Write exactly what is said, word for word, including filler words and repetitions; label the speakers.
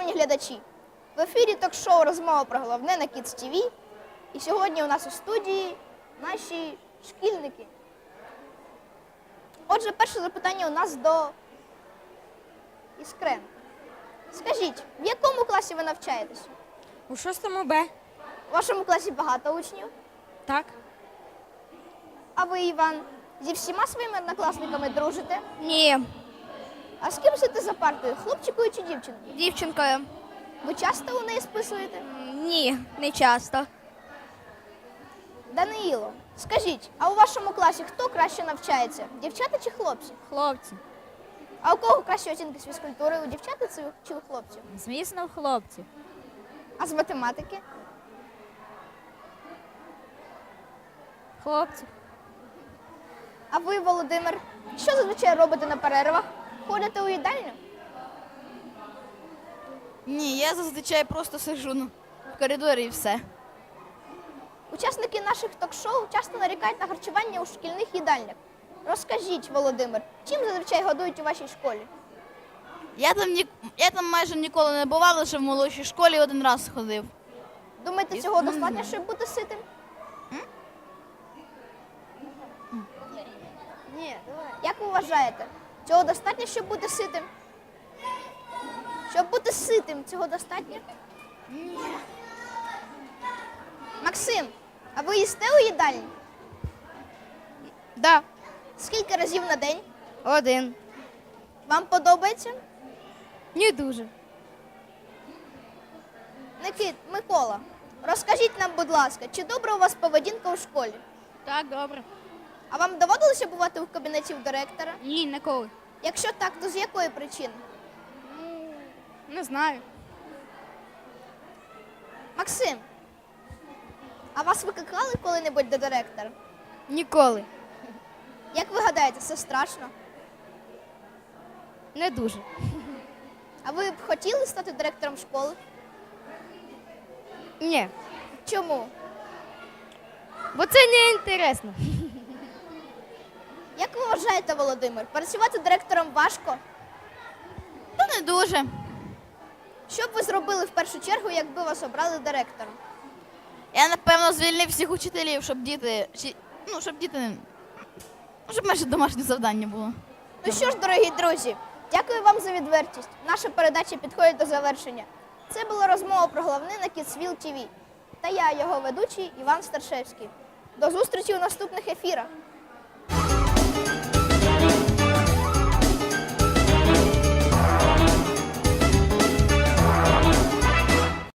Speaker 1: Шановні глядачі, в ефірі ток-шоу «Розмова про головне» на Кідс ТВ. І сьогодні у нас у студії наші шкільники. Отже, перше запитання у нас до Іскрен. Скажіть, в якому класі ви навчаєтесь?
Speaker 2: У шостому Б.
Speaker 1: У вашому класі багато учнів?
Speaker 2: Так.
Speaker 1: А ви, Іван, зі всіма своїми однокласниками дружите?
Speaker 2: Ні.
Speaker 1: А з ким сидите за партою, хлопчикою чи дівчинкою?
Speaker 2: Дівчинкою.
Speaker 1: Ви часто у неї списуєте?
Speaker 2: Ні, не часто.
Speaker 1: Даниїло, скажіть, а у вашому класі хто краще навчається? Дівчата чи хлопці?
Speaker 2: Хлопці.
Speaker 1: А у кого кращі оцінки з фізкультури? У дівчат чи у хлопців?
Speaker 2: Звісно, хлопці.
Speaker 1: А з математики?
Speaker 2: Хлопці.
Speaker 1: А ви, Володимир, що зазвичай робите на перервах? Ходите у їдальню?
Speaker 3: Ні, я зазвичай просто сиджу ну, в коридорі і все.
Speaker 1: Учасники наших ток-шоу часто нарікають на харчування у шкільних їдальнях. Розкажіть, Володимир, чим зазвичай годують у вашій школі?
Speaker 3: Я там, ні, я там майже ніколи не бував, лише в молодшій школі один раз ходив.
Speaker 1: Думаєте, цього достатньо, щоб бути ситим?
Speaker 3: Ні, давай.
Speaker 1: Як ви вважаєте, цього достатньо, щоб бути ситим? Щоб бути ситим, цього достатньо?
Speaker 3: Ні.
Speaker 1: Максим, а ви їсте у їдальні?
Speaker 2: Да.
Speaker 1: Скільки разів на день?
Speaker 2: Один.
Speaker 1: Вам подобається?
Speaker 2: Не дуже.
Speaker 1: Никит, Микола, розкажіть нам, будь ласка, чи добра у вас поведінка у школі?
Speaker 2: Так, добре.
Speaker 1: А вам доводилося бувати в кабінеті у директора?
Speaker 2: Ні, ніколи.
Speaker 1: Якщо так, то з якої причини?
Speaker 2: Не знаю.
Speaker 1: Максим, а вас викликали коли-небудь до директора?
Speaker 2: Ніколи.
Speaker 1: Як ви гадаєте, це страшно?
Speaker 2: Не дуже.
Speaker 1: А ви б хотіли стати директором школи?
Speaker 2: Ні.
Speaker 1: Чому?
Speaker 2: Бо це не інтересно.
Speaker 1: Як ви вважаєте, Володимир, працювати директором важко?
Speaker 3: Та не дуже.
Speaker 1: Що б ви зробили в першу чергу, якби вас обрали директором?
Speaker 3: Я, напевно, звільнив всіх учителів, щоб діти, чи, ну, щоб діти, ну, щоб менше домашнє завдання було.
Speaker 1: Ну що ж, дорогі друзі, дякую вам за відвертість. Наша передача підходить до завершення. Це була розмова про головне на Кідсвіл ТВ. Та я, його ведучий Іван Старшевський. До зустрічі у наступних ефірах.